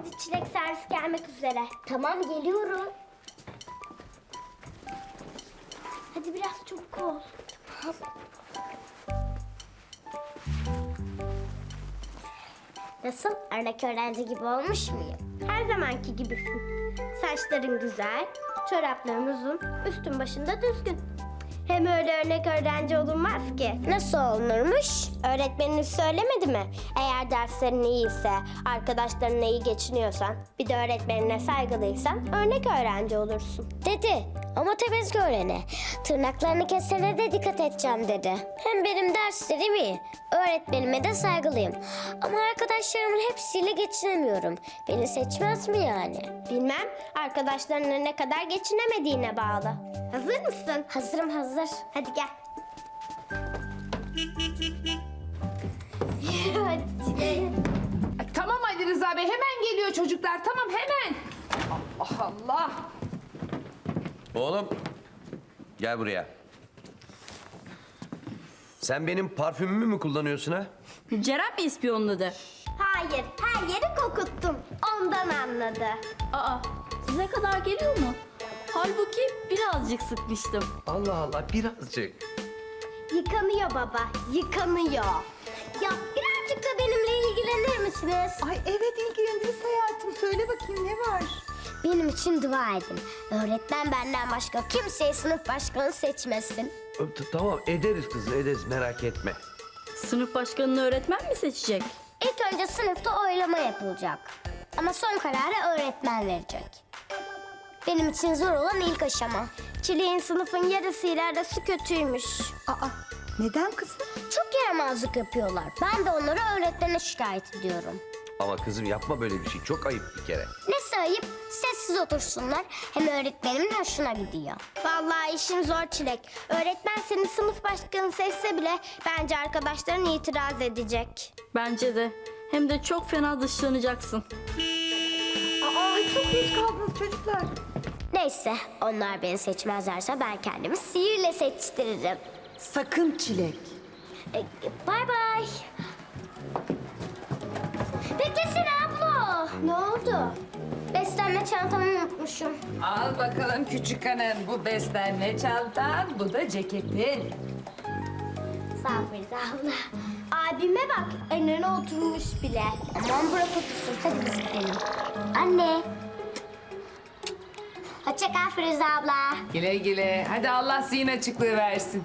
Hadi Çilek, servis gelmek üzere. Tamam, geliyorum. Hadi biraz çabuk ol. Nasıl? Örnek öğrenci gibi olmuş muyum? Her zamanki gibisin. Saçların güzel, çorapların uzun, üstün başında düzgün. Hem öyle örnek öğrenci olunmaz ki. Nasıl olunurmuş? Öğretmeniniz söylemedi mi? Eğer derslerin iyiyse, arkadaşlarınla iyi geçiniyorsan, bir de öğretmenine saygılıysan örnek öğrenci olursun. Dedi ama tebezgü öğrene. Tırnaklarını kesene de dikkat edeceğim dedi. Hem benim derslerim iyi. Öğretmenime de saygılıyım. Ama arkadaşlarımın hepsiyle geçinemiyorum. Beni seçmez mi yani? Bilmem. Arkadaşlarının ne kadar geçinemediğine bağlı. Hazır mısın? Hazırım, hazır. Hadi gel. Hadi. Tamam Ali Rıza Bey, hemen geliyor çocuklar. Tamam, hemen. Allah Allah. Oğlum, gel buraya. Sen benim parfümümü mü kullanıyorsun ha? Ceren mi ispiyonladı? Hayır, her yeri kokuttum. Ondan anladı. Aa, size kadar geliyor mu? Halbuki birazcık sıkmıştım. Allah Allah, birazcık. Yıkanıyor baba, yıkanıyor. Ya birazcık da benimle ilgilenir misiniz? Ay evet ilgileniriz hayatım. Söyle bakayım ne var? Benim için dua edin. Öğretmen benden başka kimseyi sınıf başkanı seçmesin. Tamam, ederiz kızım, ederiz, merak etme. Sınıf başkanını öğretmen mi seçecek? İlk önce sınıfta oylama yapılacak. Ama son kararı öğretmen verecek. Benim için zor olan ilk aşama. Çileğin sınıfın yarısıyla arası kötüymüş. Aa neden kızım? Çok yaramazlık yapıyorlar. Ben de onları öğretmene şikayet ediyorum. Ama kızım yapma böyle bir şey, çok ayıp bir kere. Nesi ayıp? Sessiz otursunlar. Hem öğretmenimin hoşuna gidiyor. Vallahi işin zor Çilek. Öğretmen seni sınıf başkanı seçse bile bence arkadaşların itiraz edecek. Bence de. Hem de çok fena dışlanacaksın. Aa çok geç kaldınız çocuklar. Neyse, onlar beni seçmezlerse ben kendimi sihirle seçtiririm. Sakın Çilek. Bay bay. Beklesene abla. Ne oldu? Beslenme çantamı unutmuşum. Al bakalım küçük hanım. Bu beslenme çantan, bu da ceketin. Sağ ol Ferize abla. Abime bak, önüne oturmuş bile. Aman bırak otursun, hadi biz gidelim. Anne. Hoşça kal Ferize abla. Güle güle. Hadi Allah zihin açıklığı versin.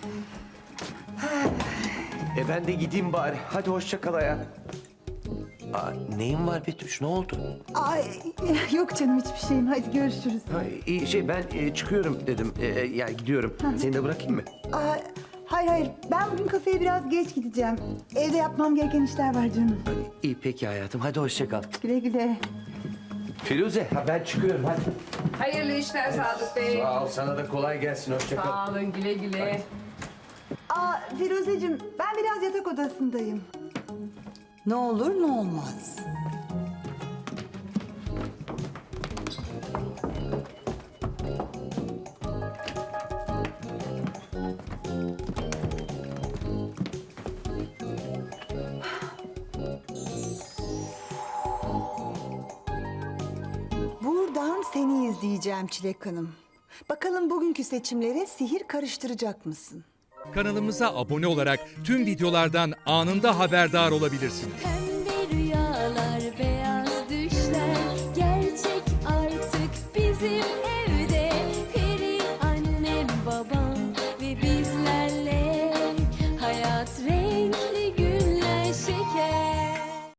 Ben de gideyim bari. Hadi hoşça kal hayatım. Neyin var Betüş, ne oldu? Ay yok canım hiçbir şeyim. Hadi görüşürüz. İyi ben çıkıyorum dedim. Yani gidiyorum. Seni de bırakayım mı? Aa, hayır ben bugün kafeye biraz geç gideceğim. Evde yapmam gereken işler var canım. İyi peki hayatım, hadi hoşça kal. Güle güle. Firuze, ben çıkıyorum hadi. Hayırlı işler Sadık Bey. Sağ ol, sana da kolay gelsin, hoşça kal. Sağ olun, güle güle. Aa Firuzeciğim ben biraz yatak odasındayım. Ne olur ne olmaz. Buradan seni izleyeceğim Çilek Hanım. Bakalım bugünkü seçimlere sihir karıştıracak mısın? Kanalımıza abone olarak tüm videolardan anında haberdar olabilirsiniz.